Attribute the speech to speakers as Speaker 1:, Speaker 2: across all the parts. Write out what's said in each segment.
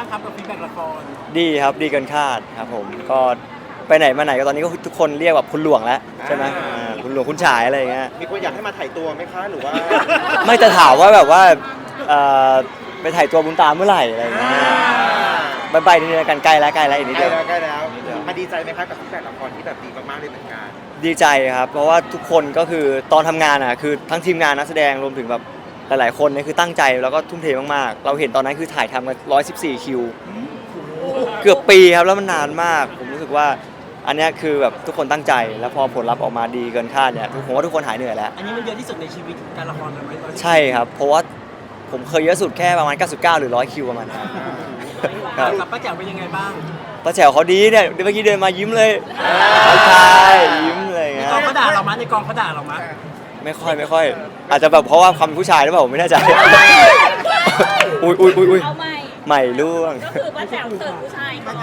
Speaker 1: บ้างครับกับฟีดแบ็กละคร
Speaker 2: ดีครับดีเกินคาดครับผมก็ไปไหนมาไหนก็ตอนนี้ก็ทุกคนเรียกแบบคุณหลวงแล้วใช่ไหมคุณหลวงคุณฉายอะไรอย่างเงี้ย
Speaker 3: มีคนอยากให้มาถ่ายตัวไหมคะหรือว่า
Speaker 2: ไม่จะถามว่าแบบว่าเอ่อไปถ่ายตัวบุญตามเมื่อไหร่อะไรอย่างเงี้ยใบนิดนึงกันใกล้แล้วอีกนิด
Speaker 3: ใกล้
Speaker 2: เดียว
Speaker 3: แล้วใกล้แล้วมาดีใจไหมคะกับฟีดแบ็กละครที่แบบดีมากๆเลยเหมือนกัน
Speaker 2: ดีใจครับเพราะว่าทุกคนก็คือตอนทำงานอ่ะคือทั้งทีมงานนักแสดงรวมถึงแบบหลายๆคนเนี่ยคือตั้งใจแล้วก็ทุ่มเทมากๆเราเห็นตอนนั้นคือถ่ายทำกัน114คิวเกือบปีครับแล้วมันนานมากผมรู้สึกว่าอันนี้คือแบบทุกคนตั้งใจแล้วพอผลลัพธ์ออกมาดีเกินคาดเนี่ยผมว่าทุกคนหายเหนื่อยแล้ว
Speaker 1: อันนี้มันเยอะที่สุดในชีวิตการละครเลยไหม
Speaker 2: ใช่ครับเพราะว่าผมเคยเยอะสุดแค่ประมาณ99หรือ100คิวประมาณนั้นครับ
Speaker 1: กับป้าแจ๋วเป็นยังไงบ้าง
Speaker 2: ป้าแจ๋วเขาดีเนี่ยเมื่อกี้เดินมายิ้มเลยใช่ยิ้มเลย
Speaker 1: ใน
Speaker 2: เงี้ย
Speaker 1: กองเขาด่าเรามั้ยในกองเขาด่าเรามั้ย
Speaker 2: ไม่ค่อยอาจจะแบบเพราะว่าความเป็นผู้ชายหรือเปล่าผมไม่แน่ใจอุ้ย
Speaker 4: เอาใ
Speaker 2: ใหม่ล่วง
Speaker 4: ก็คือป้าแจ๋วเสิร์ฟผู้ชายก่อน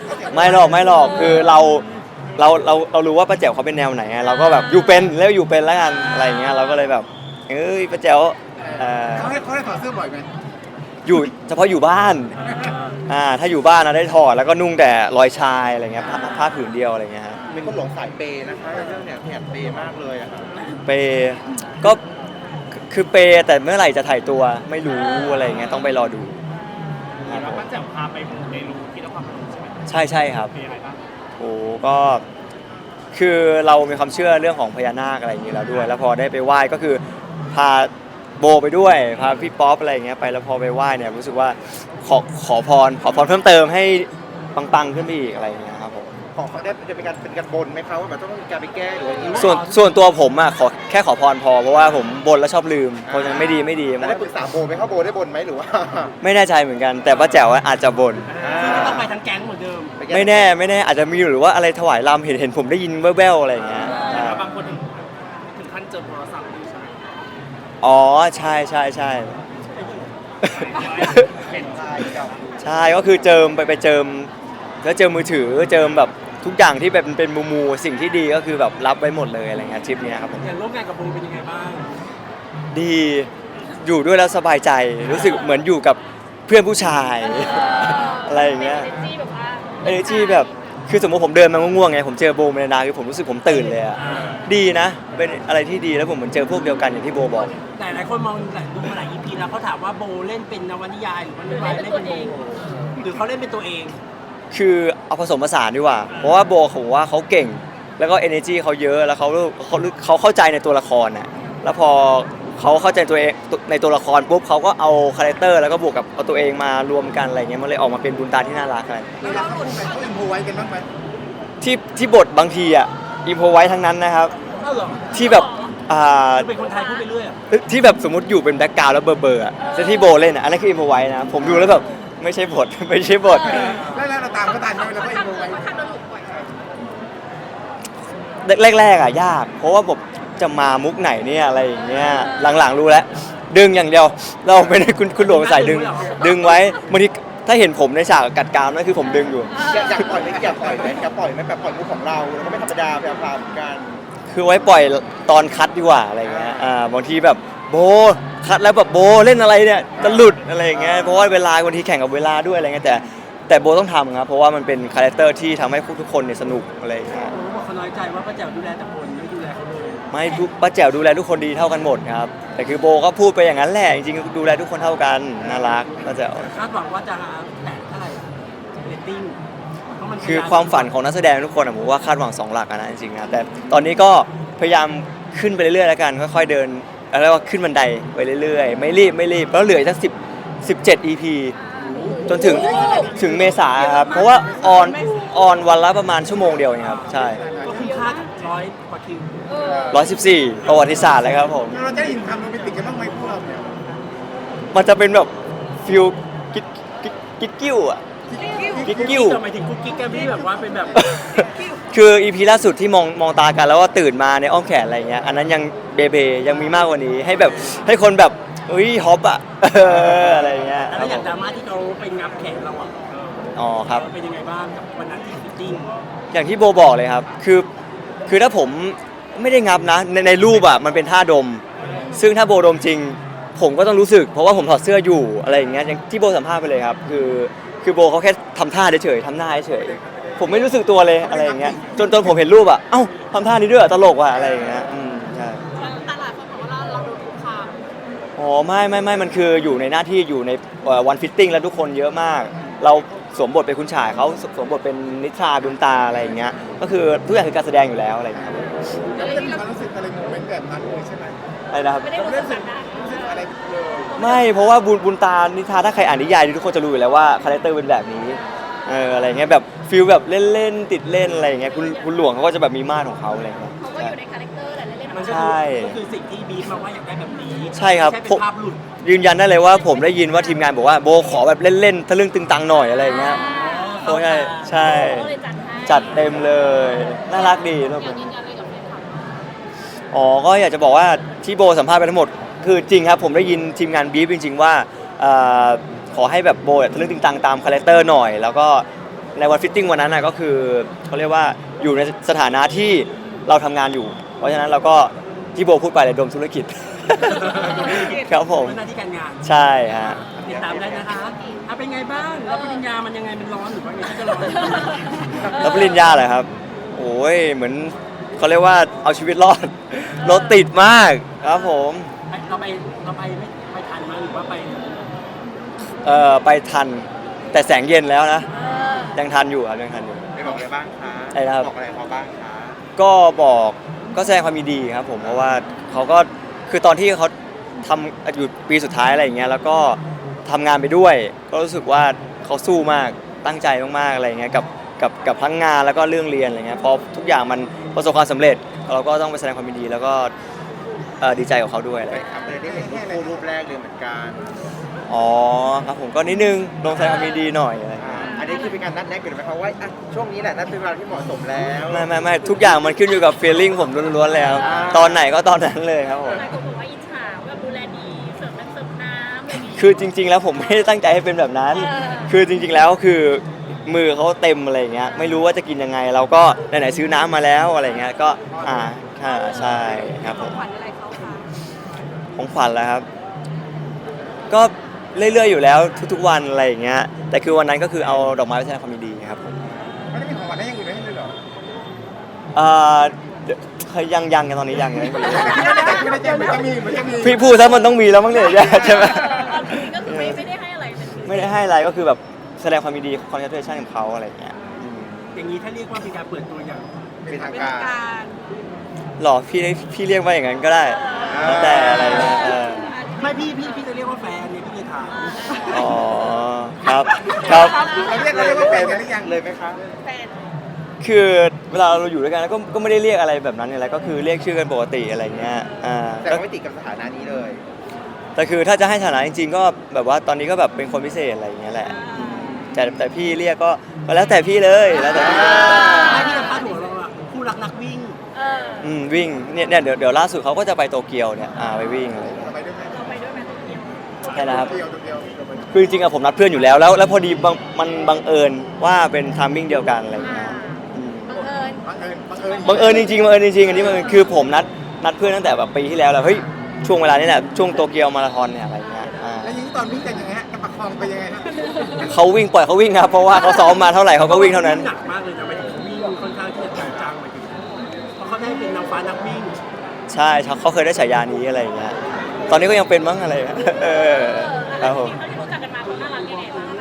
Speaker 2: ไม่หรอกคือเรารู้ว่าป้าแจ๋วเขาเป็นแนวไหนเราก็แบบอยู่เป็นแล้วกันอะไรอย่างเงี้ยเราก็เลยแบบป้าแจ๋ว
Speaker 3: เขาได้ถอดเสื้อบ่อยไหม
Speaker 2: อยู่เฉพาะอยู่บ้านถ้าอยู่บ้านนะได้ถอดแล้วก็นุ่งแต่รอยชายอะไรเงี้ยผ้าผืนเดียวอะไรเงี้ยฮะ
Speaker 3: เป็นคนหลงสายเปย์นะคะเรื่องเนี้ยแอบเปย์มากเลยอะค่ะ
Speaker 2: เปก็คือเปแต่เมื่อไหร่จะถ่ายตัวไม่รู้อะไรเงี้ยต้องไปรอดู
Speaker 1: ป้าแจ๋วพาไปมูในรูที่นครพนมใช่ไหม
Speaker 2: ใช่ครับ
Speaker 1: เป็นยังไงบ้าง
Speaker 2: โอ้ก็คือเรามีความเชื่อเรื่องของพญานาคอะไรอย่างนี้แล้วด้วยแล้วพอได้ไปไหว้ก็คือพาโบไปด้วยพาพี่ป๊อปอะไรอย่างเงี้ยไปแล้วพอไปไหว้เนี่ยรู้สึกว่าขอพรเพิ่มเติมให้ปังๆขึ้นไปอีกอะไรอย่างเงี้ยครับผม
Speaker 3: ขอได้จะเป็นการบนไหมคะว่าแบบต้องมีการไปแก้หรือว่า
Speaker 2: ส่วนตัวผมอ่ะแค่ขอพรพอเพราะว่าผมบนแล้วชอบลืมเพราะฉะนั้นไม่ดี
Speaker 3: ได้ปรึกษาโบไหมคะโบได้บนไหมหรือว่า
Speaker 2: ไม่แน่ใจเหมือนกันแต่ป้าแจ๋วอาจจะบน
Speaker 1: ก็ต้องไปทั้งแก๊งเหมือนเดิม
Speaker 2: ไม่แน่อาจจะมีหรือว่าอะไรถวายรำเห็นผมได้ยินแว่วๆอะไรอย่างเงี้ย
Speaker 1: บางคนถึงขั้นเจอโทรศัพท์ใช่ไหม
Speaker 2: อ๋อใช่ใช่ก็คือเจิมไปเจิมแล้วเจิมมือถือเจิมแบบทุกอย่างที่แบบเป็นมูสิ่งที่ดีก็คือแบบรับไว้หมดเลยอะไรเงี้ยทริปนี้ครับผม
Speaker 1: อย่างร่วมงานกับโบเป็นยังไงบ้าง
Speaker 2: ดีอยู่ด้วยแล้วสบายใจรู้สึกเหมือนอยู่กับเพื่อนผู้ชายอะไรอย่างเงี้ยenergyแบบคือสมมติผมเดินมาง่วงๆไงผมเจอโบเมลดาคือผมรู้สึกผมตื่นเลยอะดีนะเป็นอะไรที่ดีแล้วผมเหมือนเจอพวกเดียวกันอย่างที่โบบอก
Speaker 1: แต่หลายคนมองดูมาหลาย EP แล้วเขาถามว่าโบเล่นเป็นนวนิยายหรือว่าเล่นเป็นโบหรือเขาเล่นเป็นตัวเอง
Speaker 2: คือเอาผสมผสานดีกว่าเพราะว่าโบผมว่าเขาเก่งแล้วก็ energy เขาเยอะแล้วเขาเข้าใจในตัวละครน่ะแล้วพอเขาเข้าใจตัวเองในตัวละครปุ๊บเขาก็เอาคาแรคเตอร์แล้วก็บวกกับเอาตัวเองมารวมกันอะไรเงี้ยมันเลยออกมาเป็นบุญตาที่น่ารักอะไร
Speaker 3: แล้วคนไหนเขาอินโพไว้กันบ้างไหม
Speaker 2: ที่บทบางทีอ่ะอินโพไว้ทั้งนั้นนะครับที่แบบ
Speaker 1: เป็นคนไทยพูดไปเรื่อย
Speaker 2: ที่แบบสมมติอยู่เป็นแบ็คกราวด์แล้วเบอร์แต่ที่โบเล่นอันนั้นคืออินโพไว้นะผมดูแล้วแบบไม่ใช่บท
Speaker 3: แล้วเราตามก็ตามเราก็อินโพไว้
Speaker 2: แรกยากเพราะว่าผมจะมามุกไหนเนี่ยอะไรอย่างเงี้ยหลังๆรู้แล้วดึงอย่างเดียวเราไม่ได้คุณหลวงใส่ดึงไว้บางทีถ้าเห็นผมในฉากกัดกรามนั่นคือผมดึงอยู่
Speaker 3: อยากปล่อยไหมแบบปล่อยมุกของเราแล้วก็ไม่ธรรมดาแบบพาเหมือนกัน
Speaker 2: คือไว้ปล่อยตอนคัดดีกว่าอะไรเงี้ยบางทีแบบโบคัดแล้วแบบโบเล่นอะไรเนี่ยจะหลุดอะไรอย่างเงี้ยเพราะว่าเวลาบางทีแข่งกับเวลาด้วยอะไรเงี้ยแต่โบต้องทำครับเพราะว่ามันเป็นคาแรคเตอร์ที่ทำให้ทุกคนเนี่ยสนุกอะไรอย่างเงี้ย
Speaker 1: เขาน้อยใจว่าป้าแจ๋วดูแลแต่คนไม่ดูแลเขาเลย
Speaker 2: ไม่ป้าแจ๋วดูแลทุกคนดีเท่ากันหมดครับแต่คือโบก็พูดไปอย่างนั้นแหละจริงๆดูแลทุกคนเท่ากันน่ารักป้าแจ๋ว
Speaker 1: คาดหวังว่าจะแตะเท่าไหร่เรตติ้ง
Speaker 2: คือความฝันของนักแสดงทุกคนผมว่าคาดหวัง2 หลักนะจริงๆนะแต่ตอนนี้ก็พยายามขึ้นไปเรื่อยๆแล้วกันค่อยๆเดินแล้วก็ขึ้นบันไดไปเรื่อยๆไม่รีบแล้วเหลือสัก17 EP จนถึงเมษาครับเพราะว่าออนวันละประมาณชั่วโมงเดียวเองครับใช่
Speaker 1: ก็คุ้มค่า100 กว่าคิว
Speaker 2: 114ประวัติศาสตร์เลยครับผม
Speaker 3: เราจะได้ยินคำโรแมนติกกันบ้างไหมพวกเราเนี่ย
Speaker 2: มันจะเป็นแบบฟิลกิ๊กกิ้วอะกิ๊กกิ้ว
Speaker 1: หมายถึงกุ๊กกิ๊กกันที่แบบว่าเป็นแบบ
Speaker 2: คือ EP ล่าสุดที่มองตากันแล้วว่าตื่นมาในอ้อมแขนอะไรเงี้ยอันนั้นยังเบยังมีมากกว่านี้ให้แบบให้คนแบบฮอปอะอะไรเงี้ย
Speaker 1: แล้วอย่างดราม่าที่เขาไปงับแขนเรา
Speaker 2: อ๋อครับ
Speaker 1: เป็นยังไงบ้างกับวันนั้นที่ฟิตติ้ง
Speaker 2: อย่างที่โบบอกเลยครับคือถ้าผมไม่ได้งับนะในรูปอะมันเป็นท่าดมซึ่งถ้าโบดมจริงผมก็ต้องรู้สึกเพราะว่าผมถอดเสื้ออยู่อะไรอย่างเงี้ยอย่างที่โบสัมภาษณ์ไปเลยครับคือโบเขาแค่ทำท่าเฉยๆทำหน้าเฉยๆผมไม่รู้สึกตัวเลยอะไรอย่างเงี้ยจนผมเห็นรูปอ่ะเอ้าทำท่านี้ด้วยเหรอตลกว่ะอะไรอย่างเงี้ยใช่
Speaker 4: ตลาดคนบอกว่าเราโดนคุกคาม
Speaker 2: อ๋อไม่มันคืออยู่ในหน้าที่อยู่ในวันฟิตติ้งแล้วทุกคนเยอะมาก เราสวมบทเป็นคุณชายเขาสวมบทเป็นนิทราบุญตาอะไรอย่างเงี้ยก็คือทุกอย่างคือการแสดงอยู่แล้วอะไรอย่างเงี้ยครับ
Speaker 3: แล้วไม่ได้มีความรู้สึกอะไรโมเมนต์แบบนั้นเลยใช่ไหม
Speaker 2: อะไรนะครับ
Speaker 4: ไม่ได้รู้สึกแบบนั้น
Speaker 3: รู้สึกอะไรเลย
Speaker 2: ไม่เพราะว่าบุญตานิทราถ้าใครอ่านนิยายทุกคนจะรู้อยู่แล้วว่าคาแรคเตอร์เป็นแบบนี้อะไรเงี้ยแบบฟิลแบบเล่นๆติดเล่นอะไรอย่างเงี้ยคุณหลวงเขาก็จะแบบมีมาตรของเขาอะไรเงี้ย
Speaker 4: เขาก็อยู่ในคาแรคเตอร์แหละเล่นๆออก
Speaker 1: มัน
Speaker 4: มา
Speaker 1: ก็
Speaker 2: ใช่
Speaker 1: คือสิ่งที่บีฟมาว่าอยากได้แบบนี้
Speaker 2: ใช่ครับ
Speaker 1: ไม่ใช่เป็นภาพหลุด
Speaker 2: ยืนยันได้เลยว่าผมได้ยินว่าทีมงานบอกว่าโบขอแบบเล่นๆทะลึ่งตึงตังหน่อยอะไรอย่างเงี้ยโอ้ยใช่
Speaker 4: ก็เลยจัดให้
Speaker 2: จัดเต็มเลยน่ารักดีทุกคน
Speaker 4: ยืนยันเลยกับแฟนคลับ
Speaker 2: อ๋อก็อยากจะบอกว่าที่โบสัมภาษณ์ไปทั้งหมดคือจริงครับผมได้ยินทีมงานบีฟจริงๆว่าขอให้แบบโบทะลึ่งตึงตังตามคาแรคเตอร์หน่อย แล้วก็ในวันฟิตติ้งวันนั้นนะก็คือเขาเรียกว่าอยู่ในสถานะที่เราทำงานอยู่ เพราะฉะนั้นเราก็ที่โบพูดไปเลยดมธุรกิจ ครับผม
Speaker 1: เป็นหน้าที่การงาน
Speaker 2: ใช่ฮะ
Speaker 1: ติดตามได้นะคะเป็นไงบ้างแล้วปริญญามันยังไงมันร้อนหรือว่าไงที่จะร้อน
Speaker 2: แล้วปริญญาเหรอครับโอ้ยเหมือนเขาเรียกว่าเอาชีวิตรอดรถติดมากครับผม
Speaker 1: เราไปไม่ทันมั้ยหรือว่าไป
Speaker 2: ไปทันแต่แสงเย็นแล้วนะยังทันอยู่ครับยังทันอยู่
Speaker 3: ไปบอกอะไรบ้างคะ
Speaker 2: อะไรนะครับ
Speaker 3: บอกอะไรเขาบ้างคะ
Speaker 2: ก็บอกก็แสดงความยินดีครับผมเพราะว่าเขาก็คือตอนที่เขาทำอยู่ปีสุดท้ายอะไรอย่างเงี้ยแล้วก็ทำงานไปด้วย ก็รู้สึกว่าเขาสู้มากตั้งใจมากๆอะไรอย่างเงี้ยกับทั้งงานแล้วก็เรื่องเรียนอะไรเงี้ยพอทุกอย่างมันประสบความสำเร็จ เราก็ต้องไปแสดงความยินดีแล้วก็ดีใจกับเขาด้วยอะไร
Speaker 3: ไป
Speaker 2: อย่างเงี้ย
Speaker 3: ครับเลยได้เห็นรูปคู่รูปแรกเลยเหมือนกัน
Speaker 2: อ๋อครับผมก็นิดนึงลงแสดงความยินดีหน่อยอะไรอย่างเงี้ย
Speaker 3: อันนี้คือเป็นการนัดแนะกันไหมคะว่าอ่ะช่วงนี้แหละนัดเป็นเวลาที่เหมาะสมแล้ว
Speaker 2: ไม่ทุกอย่างมันขึ้นอยู่กับ feeling ผมล้วนๆเลยครับตอนไหนก็ตอนนั้นเลยครับผม
Speaker 4: หลายคนบอกว่าอิจฉาแบบดูแลดีเสิร์ฟน้ำเสิร์ฟน้ำอะไรอย่างงี้
Speaker 2: คือจริง ๆ แล้วผมไม่ได้ตั้งใจให้เป็นแบบนั้น คือจริง ๆ แล้วคือมือเขาเต็มอะไรอย่างเงี้ย ไม่รู้ว่าจะกินยังไง เราก็ไหนๆซื้อน้ำมาแล้วอะไรเงี้ย ก็ใช่ครับผม
Speaker 4: ขวัญอะไรเขาคะ
Speaker 2: ของขวัญแล้วครับ ก็เรื่อยๆอยู่แล้วทุกๆวันอะไรอย่างเงี้ย แต่คือวันนั้นก็คือเอาดอกไม้ไปแสดงความยินดีครับผม
Speaker 3: ไม่ได้มีของขวัญให้อยังอื่นให้เลยเหรอ
Speaker 2: เดี๋ยวยังกันตอนนี้ยังเลย
Speaker 3: ไม่ได้แจ้งมันจะมี
Speaker 2: พี่พูดซะมันต้องมีแล้วมั้งเนี่ยใช่ไหม
Speaker 4: ตอนนี้ก็คือไม่ได้ให้อะไรเป็นพิเศษ
Speaker 2: ไม่ได้ให้อะไรก็คือแบบแสดงความยินดี congratulation กับเขาอะไรอย่างเงี้ย
Speaker 1: อย่างนี้ถ้าเรียกว่าเป็นการเปิดตัวอย่าง
Speaker 3: เป็นทาง
Speaker 4: เป็น
Speaker 3: การ
Speaker 4: การ
Speaker 2: หรอพี่เรียกว่าอย่างนั้นก็ได้แล้วแต่อะไรนะ
Speaker 1: ไม่พี่จะเรียกว่าแฟนเนี่ยพี่เลยถาม
Speaker 2: อ๋อครับครับ
Speaker 3: เราเรียกว่าแฟนกันหรือยังเลยไหมคะ
Speaker 4: แฟน
Speaker 2: คือเวลาเราอยู่ด้วยกันแล้วก็ไม่ได้เรียกอะไรแบบนั้นอะไรก็คือเรียกชื่อกันปกติอะไรเงี้ย
Speaker 3: แต่ก็ไม่ติดกับสถานะนี้เลย
Speaker 2: แต่คือถ้าจะให้ฐานะจริงๆก็แบบว่าตอนนี้ก็แบบเป็นคนพิเศษอะไรอย่างเงี้ยแหละแต่พี่เรียกก็แล้วแต่พี่เลยแล้วแต่พี่เลย
Speaker 1: ไม่พี่จะพาดหัวเราอะคู่รักนักวิ่ง
Speaker 2: วิ่งเนี่ยเดี๋ยวล่าสุดเขาก็จะไปโตเกียวเนี่ยไปวิ่งอะไรเงี้ย
Speaker 3: เราไปด้วยไหม
Speaker 4: เราไปด้วยไหมตัวเดียว
Speaker 2: ใช่นะครับ
Speaker 3: ตัวเดียวเราไปด้วย
Speaker 2: คือจริงๆอะผมนัดเพื่อนอยู่แล้วพอดีมันบังเอิญว่าเป็นไทมิ่งเดียวกันอะไรเงี้ยอืม
Speaker 4: บังเอิญ
Speaker 2: บังเอิญจริงอันนี้บังเอิญคือผมนัดเพื่อนตั้งแต่แบบปีที่แล้วแหละเฮ้ยช่วงเวลานี้แหละช่วงโตเกียวมาราธอนเนี่ยอะไรเงี้ย
Speaker 3: แล้วยิ่งตอนวิ่งกันยังไงฮะจะประคองไปยังไงฮะ
Speaker 2: เขาวิ่งปล่อยเขาวิ่งครับเพราะว่าเขาซ้อมมาเท่าไหร่เขาก็วิ่งเท่านั้น
Speaker 1: หนักมากเลยนะไม่ได้วิ่งค่อนข้างที่จะจังๆไปถึงเพราะเขาได้เป็นนางฟ้านักวิ่ง
Speaker 2: ใช่เขาเคยได้ฉายานี้อะไรอย่างเงี้ยตอนนี้ก็ยังเป็นมั้งอะไรเงี้ยครับผม
Speaker 4: ที่รู้จักกันมาเขาน่ารักยังไงบ้างอะไร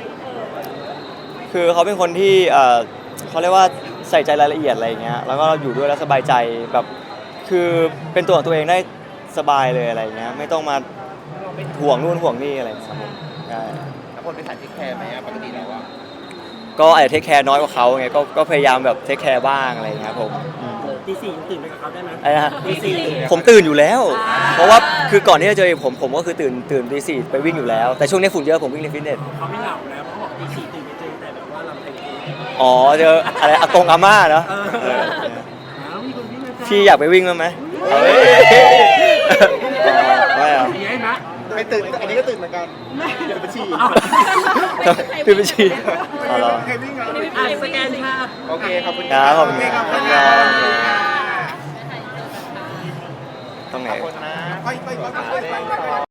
Speaker 2: คือเขาเป็นคนที่เขาเรียกว่าใส่ใจรายละเอียดอะไรอย่างเงี้ยแล้วก็อยู่ด้วยแล้วสบายใจแบบคือเป็นตัวของตัวเองได้สบายเลยอะไรอย่างเงี้ยไม่ต้องมาห่วงนู่นห่วงนี่อะไรอย่างเงี้ยครับผมใช่
Speaker 3: แล้วคนเป็นสายเทคแคร์ไหมปกติแล้วอะ
Speaker 2: ก็อาจจะเทคแคร์น้อยกว่าเขาไงก็พยายามแบบเทคแคร์บ้างอะไรอย่างเงี้ยครับผม
Speaker 1: ตีสี่ตื่นไปกับเขาได้ไหม
Speaker 2: อะไรนะฮะ
Speaker 1: ตีสี่
Speaker 2: ผมตื่นอยู่แล้ว เพราะว่าคือก่อนที่จะเจอผมก็คือตื่นตีสี่ไปวิ่งอยู่แล้ว แต่ช่วงนี้ฝุ่นเยอะผมวิ่งในฟิตเนส
Speaker 1: เขาไม่เหงาแล้วเขาบอกตีสี่ตื่นไปเจอแต่แบบว่าเราแต่งตัว
Speaker 2: อ๋อเจออะไรอากงอาม่าเนาะ
Speaker 1: มีคนวิ่งนะจ๊ะ
Speaker 2: พี่อยากไปวิ่งมั้ยไหมเฮ้ยไม่เอา
Speaker 1: มีให้นะ
Speaker 3: ไปตื่นอันนี้ก็ตื่นเหมือนกันเดี๋ยวไปฉี่
Speaker 2: ตื่นไปฉี่อ๋อเหรอ
Speaker 3: ใครวิ่งอ่ะ
Speaker 1: สแกนภาพ
Speaker 3: โอเคขอบคุณ
Speaker 2: ครับขอบคุณ
Speaker 3: ค
Speaker 2: ครั
Speaker 3: รับบ ขอบคุณครับ
Speaker 2: ตรงไหน
Speaker 3: ขอบคุณนะค่อยๆ